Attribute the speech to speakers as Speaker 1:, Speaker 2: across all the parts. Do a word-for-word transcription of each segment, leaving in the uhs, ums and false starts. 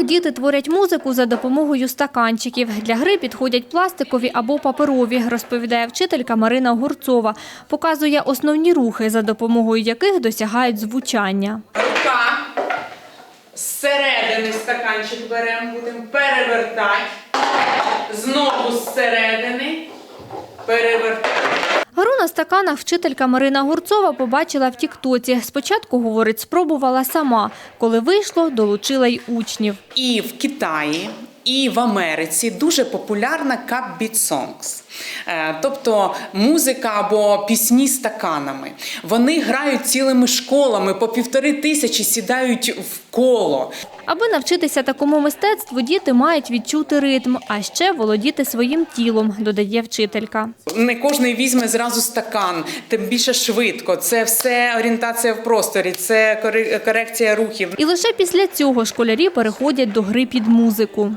Speaker 1: Діти творять музику за допомогою стаканчиків. Для гри підходять пластикові або паперові, розповідає вчителька Марина Огурцова. Показує основні рухи, за допомогою яких досягають звучання.
Speaker 2: Рука зсередини стаканчик беремо, будемо перевертати. Знову зсередини перевертати.
Speaker 1: Гру на стаканах вчителька Марина Огурцова побачила в тіктоці. Спочатку, говорить, спробувала сама. Коли вийшло, долучила й учнів.
Speaker 2: І в Китаї, і в Америці дуже популярна cup beat songs. Тобто музика або пісні стаканами. Вони грають цілими школами, по півтори тисячі сідають в коло.
Speaker 1: Аби навчитися такому мистецтву, діти мають відчути ритм, а ще володіти своїм тілом, додає вчителька.
Speaker 2: Не кожен візьме зразу стакан, тим більше швидко. Це все орієнтація в просторі, це корекція рухів.
Speaker 1: І лише після цього школярі переходять до гри під музику.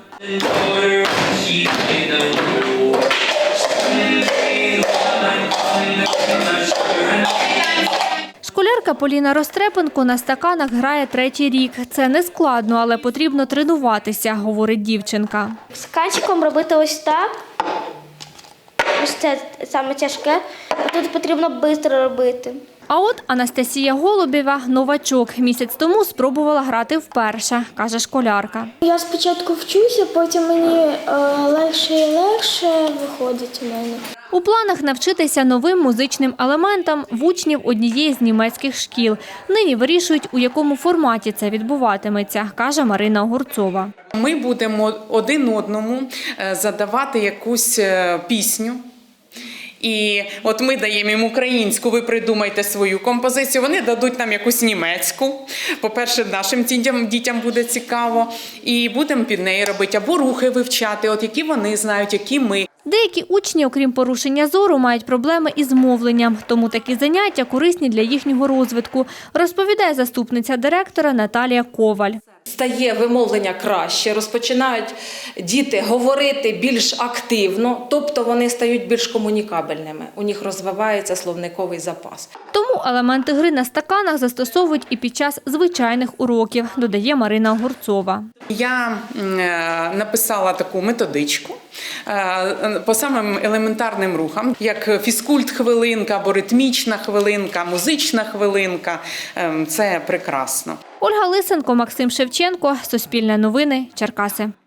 Speaker 1: Школярка Поліна Рострепенко на стаканах грає третій рік. Це не складно, але потрібно тренуватися, говорить дівчинка.
Speaker 3: Стаканчиком робити ось так. Ось це саме тяжке. Тут потрібно швидко робити.
Speaker 1: А от Анастасія Голубєва – новачок. Місяць тому спробувала грати вперше, каже школярка.
Speaker 3: Я спочатку вчуся, потім мені е, легше і легше виходить у мене.
Speaker 1: У планах навчитися новим музичним елементам в учнів однієї з німецьких шкіл. Нині вирішують, у якому форматі це відбуватиметься, каже Марина Огурцова.
Speaker 2: Ми будемо один одному задавати якусь пісню. І от ми даємо їм українську, ви придумайте свою композицію, вони дадуть нам якусь німецьку. По-перше, нашим дітям, дітям буде цікаво. І будемо під неї робити або рухи вивчати, от які вони знають, які ми.
Speaker 1: Деякі учні, окрім порушення зору, мають проблеми із мовленням. Тому такі заняття корисні для їхнього розвитку, розповідає заступниця директора Наталія Коваль.
Speaker 4: Стає вимовлення краще, розпочинають діти говорити більш активно, тобто вони стають більш комунікабельними, у них розвивається словниковий запас.
Speaker 1: Тому елементи гри на стаканах застосовують і під час звичайних уроків, додає Марина Огурцова.
Speaker 2: Я написала таку методичку по самим елементарним рухам, як фізкульт-хвилинка або ритмічна хвилинка, музична хвилинка. Це прекрасно.
Speaker 1: Ольга Лисенко, Максим Шевченко, Суспільне новини, Черкаси.